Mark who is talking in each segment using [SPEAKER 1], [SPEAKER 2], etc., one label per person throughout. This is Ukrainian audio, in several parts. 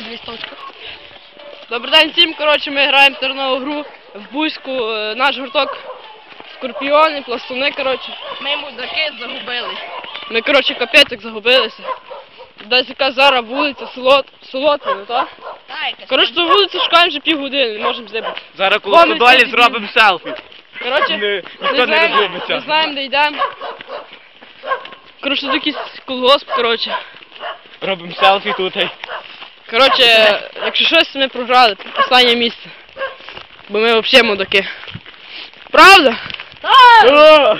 [SPEAKER 1] листочка.
[SPEAKER 2] Добрий день всім, коротше, ми граємо в тернову гру в Буську, наш гурток Скорпіони, пластуни, коротше.
[SPEAKER 1] Ми мудаки загубились.
[SPEAKER 2] Ми, коротше, капець як загубилися. Десь яка зараз вулиця, Солотвина, так?
[SPEAKER 1] Так,
[SPEAKER 2] Коротше, ту вулицю шукаємо вже півгодини, не можемо здибати.
[SPEAKER 3] Зараз коло Стодолі зробимо селфі.
[SPEAKER 2] Коротше,
[SPEAKER 3] Ніхто не розумиться.
[SPEAKER 2] не знаємо, де йдемо. Коротше, тут якийсь колгосп, коротше.
[SPEAKER 3] Робимо селфі тут.
[SPEAKER 2] Коротше, якщо щось, ми програли, останнє місце. Бо ми взагалі мудаки. Правда?
[SPEAKER 3] О!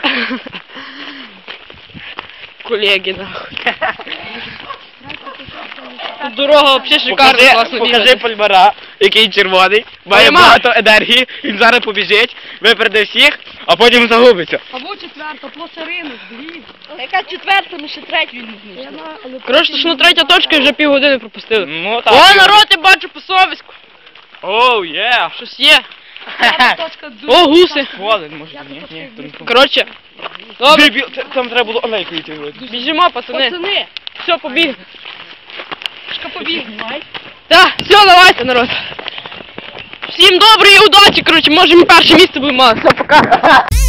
[SPEAKER 2] Колеги, нахуй. Тут дорога взагалі шикарна, класно
[SPEAKER 3] Покажи
[SPEAKER 2] бігати.
[SPEAKER 3] пальмара, який червоний, має
[SPEAKER 2] Пальмар.
[SPEAKER 3] багато енергії, він зараз побіжить, випереде всіх, а потім загубиться.
[SPEAKER 1] Або четверта, просто ринок, дивіться. Яка четверта, ми ще третю не знайшли.
[SPEAKER 2] Коротше, що на третя точка і вже півгодини пропустили.
[SPEAKER 3] Ну так.
[SPEAKER 2] О, народ, я бачу по совіську.
[SPEAKER 3] Оу, є.
[SPEAKER 2] Щось є.
[SPEAKER 1] Точка
[SPEAKER 2] О, гуси.
[SPEAKER 3] Волен, може, ні, то не
[SPEAKER 2] Коротше, добре,
[SPEAKER 3] там треба було олейку йти.
[SPEAKER 2] біжимо, пацани.
[SPEAKER 1] Пацани,
[SPEAKER 2] Все, побігли.
[SPEAKER 1] шка побіг.
[SPEAKER 2] Так, все, давайте, народ. Всім доброї удачі, коротше, може ми перше місце будемо мати. Все, пока.